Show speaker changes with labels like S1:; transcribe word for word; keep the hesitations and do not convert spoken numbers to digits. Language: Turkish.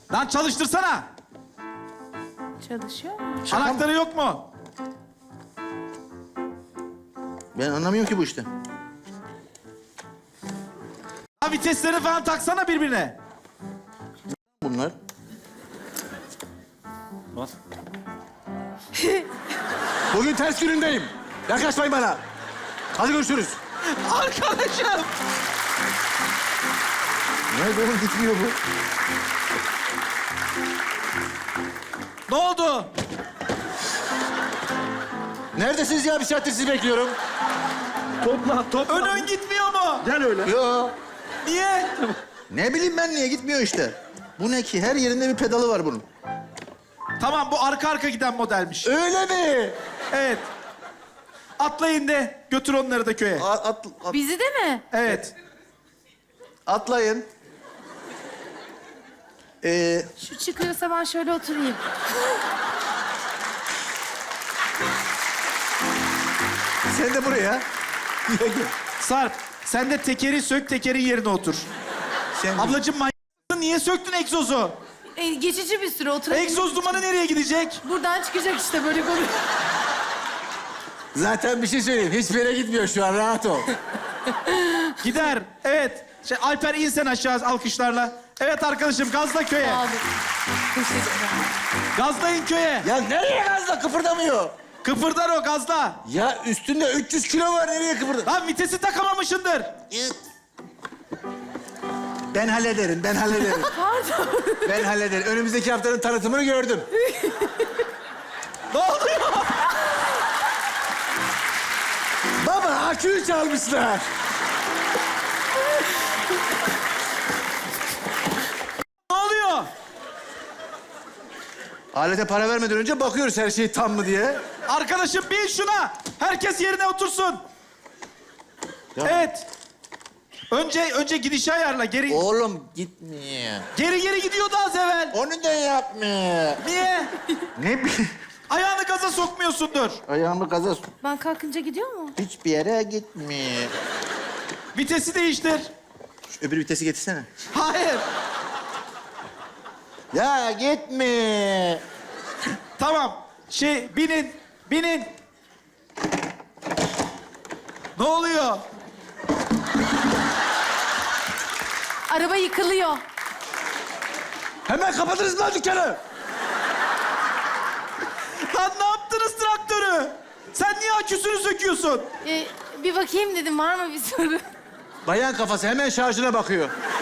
S1: Lan çalıştırsana.
S2: Çalışıyor mu?
S1: Anahtarı yok mu?
S3: Ben anlamıyorum ki bu işte.
S1: Ha, vitesleri falan taksana birbirine.
S3: Bunlar.
S1: Bas.
S3: Bugün ters günündeyim. Yaklaşmayın bana. Hadi görüşürüz.
S1: Arkadaşım.
S3: Nerede oğlum, gitmiyor bu?
S1: Ne oldu?
S3: Neredesiniz ya? Bir saattir sizi bekliyorum.
S1: Topla, topla. Ön ön gitmiyor mu?
S3: Gel öyle. Yo.
S1: Niye?
S3: Ne bileyim ben, niye gitmiyor işte. Bu ne ki? Her yerinde bir pedalı var bunun.
S1: Tamam, bu arka arka giden modelmiş.
S3: Öyle mi?
S1: Evet. Atlayın de götür onları da köye.
S3: A- at, at-
S2: Bizi de mi?
S1: Evet.
S3: atlayın. Ee,
S2: Şu çıkıyorsa ben şöyle oturayım.
S3: sen de buraya. Gel, gel.
S1: Sarp, sen de tekeri sök, tekerin yerine otur.
S3: Sen
S1: Ablacığım manyaksın, niye söktün egzozu?
S2: E, geçici bir süre oturayım.
S1: Egzoz dumanı nereye gidecek?
S2: Buradan çıkacak işte böyle konu.
S3: Zaten bir şey söyleyeyim. Hiçbir yere gitmiyor şu an. Rahat ol.
S1: Gider. Evet. Şey, Alper in sen aşağı alkışlarla. Evet arkadaşım, gazla köye.
S2: Abi. Teşekkürler.
S1: Gazlayın köye.
S3: Ya nereye gazla? Kıpırdamıyor.
S1: Kıpırdar o, gazla.
S3: Ya üstünde üç yüz kilo var. Nereye kıpırda?
S1: Lan vitesi takamamışındır.
S3: Ben hallederim, ben hallederim.
S2: Pardon.
S3: Ben hallederim. Önümüzdeki haftanın tanıtımını gördüm.
S1: Ne oluyor?
S3: Baba, aküyü çalmışlar.
S1: Ne oluyor?
S3: Alete para vermeden önce bakıyoruz her şey tam mı diye.
S1: Arkadaşım bin şuna. Herkes yerine otursun.
S3: Ya.
S1: Evet. Önce önce gidişi ayarla. Geri
S3: Oğlum gitmiyor.
S1: geri geri gidiyordu az evvel.
S3: Onu da yapmıyor.
S1: Niye?
S3: Ne bileyim.
S1: Ayağını gaza sokmuyorsundur.
S3: Ayağımı gaza...
S2: Ben kalkınca gidiyor mu?
S3: Hiçbir yere gitmiyor.
S1: Vitesi değiştir.
S3: Şu öbür vitesi getirsene.
S1: Hayır.
S3: Ya gitme.
S1: Tamam. Şey binin. Binin. Ne oluyor?
S2: Araba yıkılıyor.
S3: Hemen kapatırız lan dükkanı.
S1: Lan ne yaptınız traktörü? Sen niye aküsünü söküyorsun?
S2: E, bir bakayım dedim var mı bir sorun?
S3: Bayan kafası hemen şarjına bakıyor.